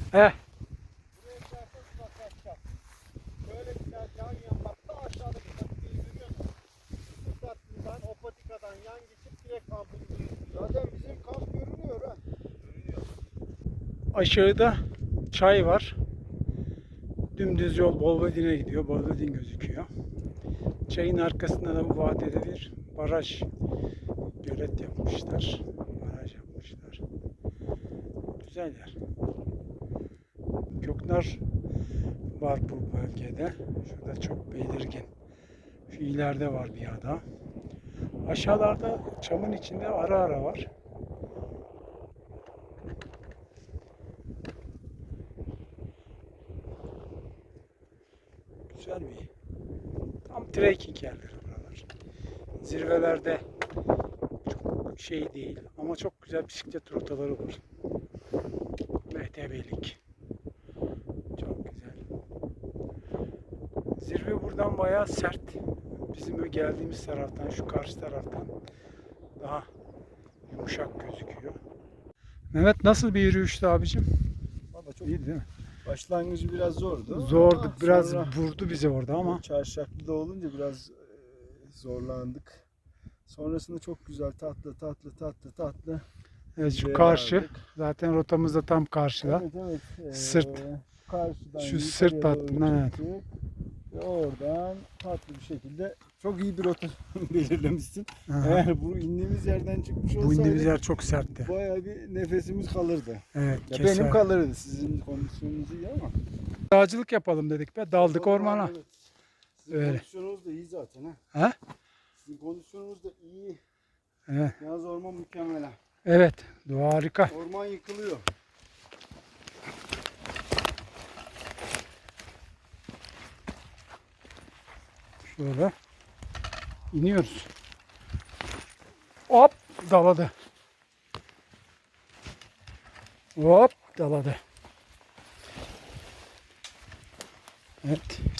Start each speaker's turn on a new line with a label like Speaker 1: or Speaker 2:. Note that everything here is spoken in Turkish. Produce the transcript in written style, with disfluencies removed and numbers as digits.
Speaker 1: Eh,
Speaker 2: Buraya gidersen uzaklaşacağız. Şöyle giderken yan bak da aşağıda bir patikeyi görüyor musun? Bu tatlıdan o patikadan yan geçip direkt kampımıza. Zaten bizim kamp görünüyor ha. Görünüyor.
Speaker 1: aşağıda çay var. Dümdüz yol Bolvedin'e gidiyor. Bolvedin gözüküyor. Çayın arkasında da bu vadede bir baraj, gölet yapmışlar. Baraj yapmışlar. Güzel yer. Göknar var bu bölgede. Şurada çok belirgin. Şu ileride var bir ada. Aşağılarda çamın içinde ara ara var. Güzel bir tam trekking yerleri buralar. Zirvelerde çok şey değil ama çok güzel bisiklet rotaları var. MTB'lik. Çok güzel. Zirve buradan bayağı sert. Bizim geldiğimiz taraftan, şu karşı taraftan daha yumuşak gözüküyor. Mehmet nasıl bir yürüyüştü abicim?
Speaker 2: Valla çok
Speaker 1: İyiydi değil mi?
Speaker 2: başlangıcı biraz zordu.
Speaker 1: Zordu.
Speaker 2: Ama
Speaker 1: Biraz
Speaker 2: sonra
Speaker 1: vurdu bizi orada ama.
Speaker 2: çarşaflı da olunca biraz zorlandık. Sonrasında çok güzel tatlı.
Speaker 1: Evet, şu
Speaker 2: şeye
Speaker 1: karşı.
Speaker 2: vardık.
Speaker 1: Zaten rotamız da tam karşıda.
Speaker 2: Evet.
Speaker 1: Sırt.
Speaker 2: Karşıdan
Speaker 1: Şu
Speaker 2: yukarıya
Speaker 1: sırt
Speaker 2: doğru
Speaker 1: hattından, evet.
Speaker 2: çıktık. Ve oradan tatlı bir şekilde çok iyi bir rota belirlemişsin.
Speaker 1: Aha.
Speaker 2: Eğer bu indiğimiz yerden çıkmış
Speaker 1: Bu indiğimiz
Speaker 2: olsaydık
Speaker 1: yer çok sertti.
Speaker 2: bayağı bir nefesimiz kalırdı.
Speaker 1: Evet,
Speaker 2: Ya
Speaker 1: keser.
Speaker 2: benim kalırdı. Sizin kondisyonunuz iyi ama.
Speaker 1: Dağcılık yapalım dedik be. Daldık
Speaker 2: O zaman
Speaker 1: ormana.
Speaker 2: evet. Sizin
Speaker 1: Öyle.
Speaker 2: kondisyonunuz da iyi zaten ha.
Speaker 1: Ha?
Speaker 2: Sizin kondisyonunuz da iyi.
Speaker 1: Evet.
Speaker 2: Yalnız orman mükemmel ha.
Speaker 1: Evet. Doğa harika.
Speaker 2: Orman yıkılıyor.
Speaker 1: Şöyle iniyoruz. Hop daladı. Hop daladı. Evet.